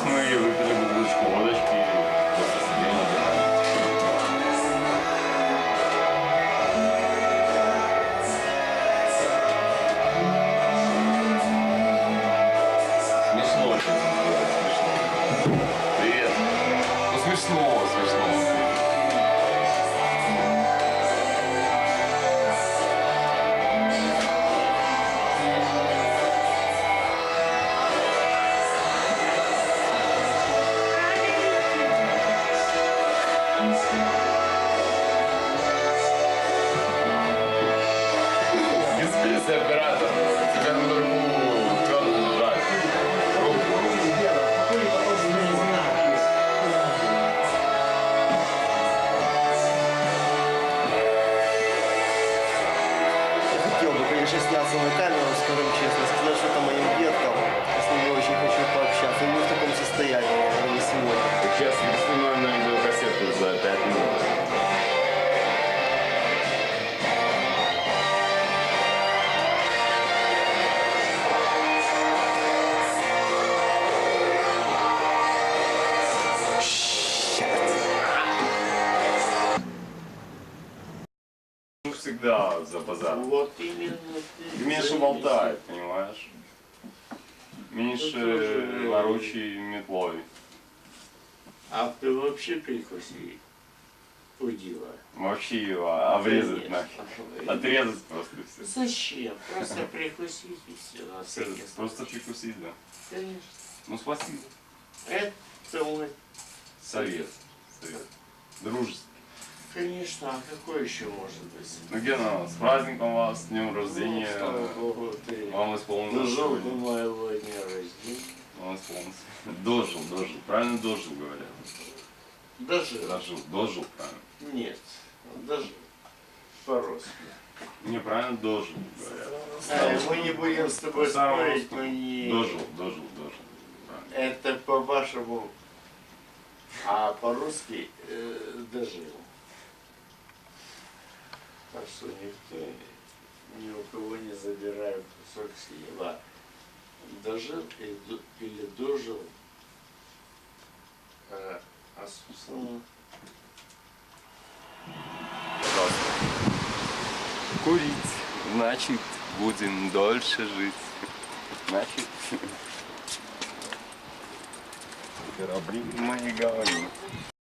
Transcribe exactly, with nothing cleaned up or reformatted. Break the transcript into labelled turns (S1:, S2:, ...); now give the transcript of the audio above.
S1: Сейчас мы выпили бутылочку водочки и просто сидим на диване. Смешно очень сделать, смешно. Привет. Ну смешно, смешно. Беспечный оператор. Тебя на другую твердую жать. Руку, руку.
S2: Хотел бы, конечно, сняться на камеру, скажем честно, сказать что-то моим деткам. Я с ними очень хочу пообщаться. Не в таком состоянии, не сегодня.
S1: Сейчас мы снимаем на видеокассету за пять минут. Всегда за базар.
S3: Вот именно ты.
S1: Меньше болтай, понимаешь? Меньше ворочай метлой.
S3: А ты вообще прикуси удила.
S1: Вообще его обрезать нахер. Отрезать просто и все.
S3: Зачем? Просто прикусить и все. На всякий случай.
S1: Просто прикусить, да.
S3: Конечно.
S1: Ну спасибо.
S3: Это мой.
S1: Совет. Совет. Дружеский.
S3: Конечно, а какой еще может быть?
S1: Ну Гена, с праздником вас, с днем рождения.
S3: Ну, слава Богу, ты
S1: Вам исполнилось
S3: дожил до
S1: сегодня.
S3: моего дня рождения.
S1: Вам исполнилось. Дожил, дожил. Правильно дожил, говорят.
S3: Дожил.
S1: Дожил, дожил, правильно.
S3: Нет, дожил. По-русски.
S1: Неправильно дожил, говорят.
S3: А, мы не будем с тобой
S1: По-старому
S3: спорить,
S1: русскому.
S3: но не...
S1: Дожил, дожил, дожил. Правильно.
S3: Это по-вашему, а по-русски э, дожил. Так что никто, ни у кого не забирает кусок хлеба. Дожил или, ду- или дожил, а, а собственно,
S1: Курить, значит, будем дольше жить. Значит, корабли мои говорят.